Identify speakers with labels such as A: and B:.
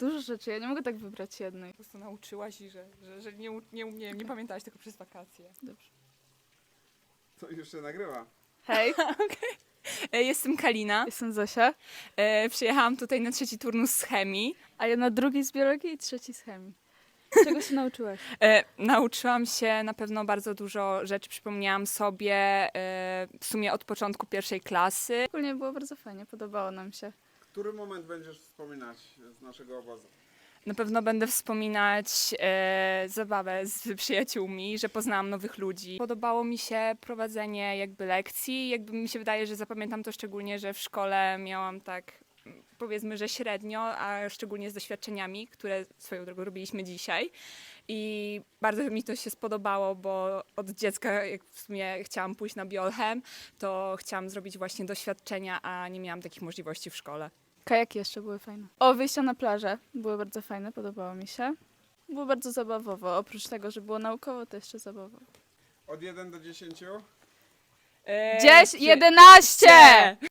A: dużo rzeczy, ja nie mogę tak wybrać jednej.
B: Po prostu nauczyłaś i że nie pamiętałaś tego przez wakacje.
A: Dobrze.
C: To już się nagrywa.
A: Hej,
B: Jestem Kalina.
A: jestem Zosia,
B: Przyjechałam tutaj na 3. turnus z chemii.
A: a ja na 2 z biologii i 3 z chemii. Czego się nauczyłaś?
B: Nauczyłam się na pewno bardzo dużo rzeczy, przypomniałam sobie w sumie od początku 1. klasy.
A: Ogólnie było bardzo fajnie, podobało nam się.
C: Który moment będziesz wspominać z naszego obozu?
B: Na pewno będę wspominać zabawę z przyjaciółmi, że poznałam nowych ludzi. Podobało mi się prowadzenie jakby lekcji. Jakby mi się wydaje, że zapamiętam to szczególnie, że w szkole miałam tak powiedzmy, że średnio, a szczególnie z doświadczeniami, które swoją drogą robiliśmy dzisiaj. I bardzo mi to się spodobało, bo od dziecka, jak w sumie chciałam pójść na biolchem, to chciałam zrobić właśnie doświadczenia, a nie miałam takich możliwości w szkole.
A: Kajaki jeszcze były fajne. O, wyjścia na plażę były bardzo fajne, podobało mi się. Było bardzo zabawowo, oprócz tego, że było naukowo, to jeszcze zabawowo.
C: Od 1 do 10?
A: 11!